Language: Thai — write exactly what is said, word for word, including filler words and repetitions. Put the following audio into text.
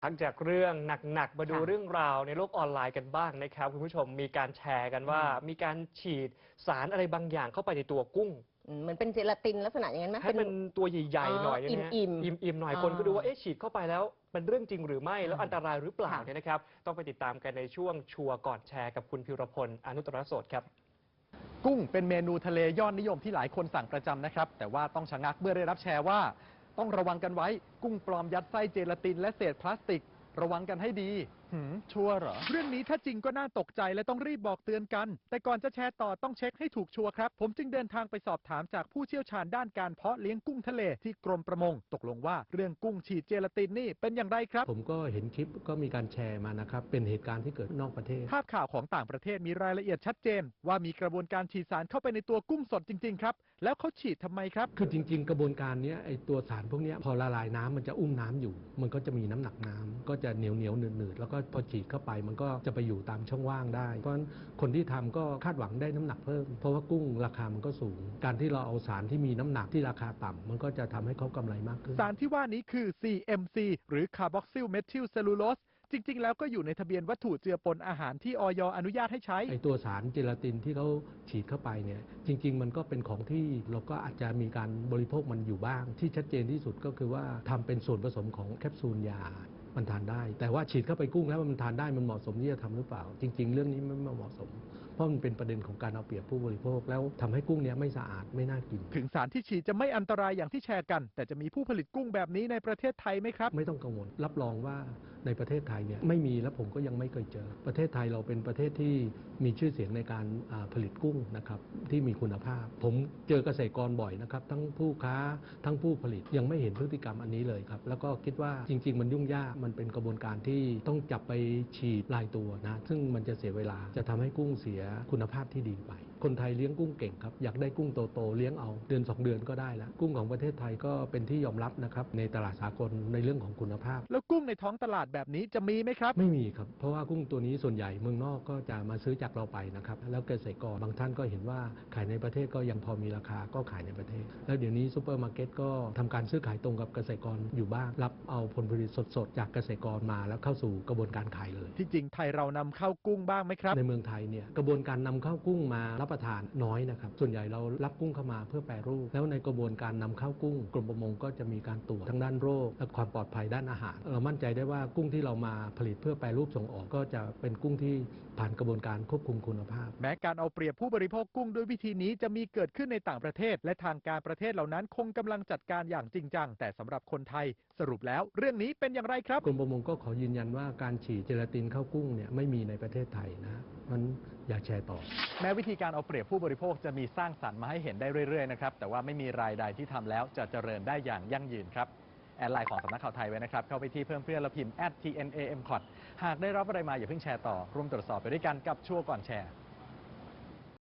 พักจากเรื่องหนักๆมาดูค่ะเรื่องราวในโลกออนไลน์กันบ้างนะครับคุณผู้ชมมีการแชร์กันว่าอืมมีการฉีดสารอะไรบางอย่างเข้าไปในตัวกุ้งอืมเหมือนเป็นเจลาตินลักษณะอย่างนั้นไหมให้เป็นเป็นตัวใหญ่อ๋อๆหน่อยเนี่ยอิ่มนะฮะอิ่มอิ่มๆหน่อยอ๋อคนก็ดูว่าเอ๊ะฉีดเข้าไปแล้วเป็นเรื่องจริงหรือไม่แล้วอ่าอันตรายหรือเปล่าค่ะเนี่ยนะครับต้องไปติดตามกันในช่วงชัวร์ก่อนแชร์กับคุณพิรพลอนุตตรโสดครับกุ้งเป็นเมนูทะเลยอดนิยมที่หลายคนสั่งประจำนะครับแต่ว่าต้องชะงักเมื่อได้รับแชร์ว่าต้องระวังกันไว้กุ้งปลอมยัดไส้เจลาตินและเศษพลาสติกระวังกันให้ดีหืมชัวร์เหรอเรื่องนี้ถ้าจริงก็น่าตกใจและต้องรีบบอกเตือนกันแต่ก่อนจะแชร์ต่อต้องเช็คให้ถูกชัวร์ครับผมจึงเดินทางไปสอบถามจากผู้เชี่ยวชาญด้านการเพาะเลี้ยงกุ้งทะเลที่กรมประมงตกลงว่าเรื่องกุ้งฉีดเจลาตินนี่เป็นอย่างไรครับผมก็เห็นคลิปก็มีการแชร์มานะครับเป็นเหตุการณ์ที่เกิดนอกประเทศภาพข่าวของต่างประเทศมีรายละเอียดชัดเจนว่ามีกระบวนการฉีดสารเข้าไปในตัวกุ้งสดจริงๆครับแล้วเขาฉีดทำไมครับคือจริงๆกระบวนการนี้ไอตัวสารพวกนี้พอละลายน้ำมันจะอุ้มน้ำอยู่มันก็จะมีน้ำหนักน้ำก็จะเหนียวเหนียวหนืดๆแล้วก็พอฉีดเข้าไปมันก็จะไปอยู่ตามช่องว่างได้เพราะฉะนั้นคนที่ทำก็คาดหวังได้น้ำหนักเพิ่มเพราะว่ากุ้งราคามันก็สูงการที่เราเอาสารที่มีน้ำหนักที่ราคาต่ำมันก็จะทำให้เขากำไรมากขึ้นสารที่ว่านี้คือ ซี เอ็ม ซี หรือ Carboxyl Methyl Cellulose จริงๆ แล้วก็อยู่ในทะเบียนวัตถุเจือปนอาหารที่อย อนุญาตให้ใช้ไอตัวสารเจลาตินที่เขาฉีดเข้าไปเนี่ยจริงๆมันก็เป็นของที่เราก็อาจจะมีการบริโภคมันอยู่บ้างที่ชัดเจนที่สุดก็คือว่าทำเป็นส่วนผสมของแคปซูลยามันทานได้แต่ว่าฉีดเข้าไปกุ้งแล้วมันทานได้มันเหมาะสมที่จะทำหรือเปล่าจริงๆเรื่องนี้ไม่เหมาะสมเพราะมันเป็นประเด็นของการเอาเปรียบผู้บริโภคแล้วทำให้กุ้งเนี้ยไม่สะอาดไม่น่ากินถึงสารที่ฉีดจะไม่อันตรายอย่างที่แชร์กันแต่จะมีผู้ผลิตกุ้งแบบนี้ในประเทศไทยไหมครับไม่ต้องกังวลรับรองว่าในประเทศไทยเนี่ยไม่มีและผมก็ยังไม่เคยเจอประเทศไทยเราเป็นประเทศที่มีชื่อเสียงในการผลิตกุ้งนะครับที่มีคุณภาพผมเจอเกษตรกรบ่อยนะครับทั้งผู้ค้าทั้งผู้ผลิตยังไม่เห็นพฤติกรรมอันนี้เลยครับแล้วก็คิดว่าจริงๆมันยุ่งยากมันเป็นกระบวนการที่ต้องจับไปฉีดลายตัวนะซึ่งมันจะเสียเวลาจะทำให้กุ้งเสียคุณภาพที่ดีไปคนไทยเลี้ยงกุ้งเก่งครับอยากได้กุ้งโตๆเลี้ยงเอาเดือนสองเดือนก็ได้แล้วกุ้งของประเทศไทยก็เป็นที่ยอมรับนะครับในตลาดสากลในเรื่องของคุณภาพแล้วกุ้งในท้องตลาดแบบนี้จะมีไหมครับไม่มีครับเพราะว่ากุ้งตัวนี้ส่วนใหญ่เมืองนอกก็จะมาซื้อจากเราไปนะครับแล้วเกษตรกรบางท่านก็เห็นว่าขายในประเทศก็ยังพอมีราคาก็ขายในประเทศแล้วเดี๋ยวนี้ซูเปอร์มาร์เก็ตก็ทำการซื้อขายตรงกับเกษตรกรอยู่บ้างรับเอาผลผลิตสดๆจากเกษตรกรมาแล้วเข้าสู่กระบวนการขายเลยที่จริงไทยเรานำเข้ากุ้งบ้างไหมครับในเมืองไทยเนี่ยกระบวนการนำเข้ากุ้งมารับประทานน้อยนะครับส่วนใหญ่เรารับกุ้งเข้ามาเพื่อแปรรูปแล้วในกระบวนการนำเข้ากุ้งกรมประมงก็จะมีการตรวจทั้งด้านโรคและความปลอดภัยด้านอาหารเรามั่นใจได้ว่ากุ้งที่เรามาผลิตเพื่อแปรรูปส่งออกก็จะเป็นกุ้งที่ผ่านกระบวนการควบคุมคุณภาพแม้การเอาเปรียบผู้บริโภคกุ้งด้วยวิธีนี้จะมีเกิดขึ้นในต่างประเทศและทางการประเทศเหล่านั้นคงกำลังจัดการอย่างจริงจังแต่สำหรับคนไทยสรุปแล้วเรื่องนี้เป็นอย่างไรครับกรมประมงก็ขอยืนยันว่าการฉีดเจลาตินเข้ากุ้งเนี่ยไม่มีในประเทศไทยนะมันอยากแชร์ต่อแม้วิธีการเอาเปรียบผู้บริโภคจะมีสร้างสรรค์มาให้เห็นได้เรื่อยๆนะครับแต่ว่าไม่มีรายใดที่ทำแล้วจะเจริญได้อย่างยั่งยืนครับแอดไลน์ของสำนักข่าวไทยไว้นะครับเข้าไปที่เพิ่มเพื่อนและพิมพ์ แอท ที เอ็น เอ เอ็ม ซี โอ ที หากได้รับอะไรมาอย่าเพิ่งแชร์ต่อร่วมตรวจสอบไปด้วยกันกับชัวร์ก่อนแชร์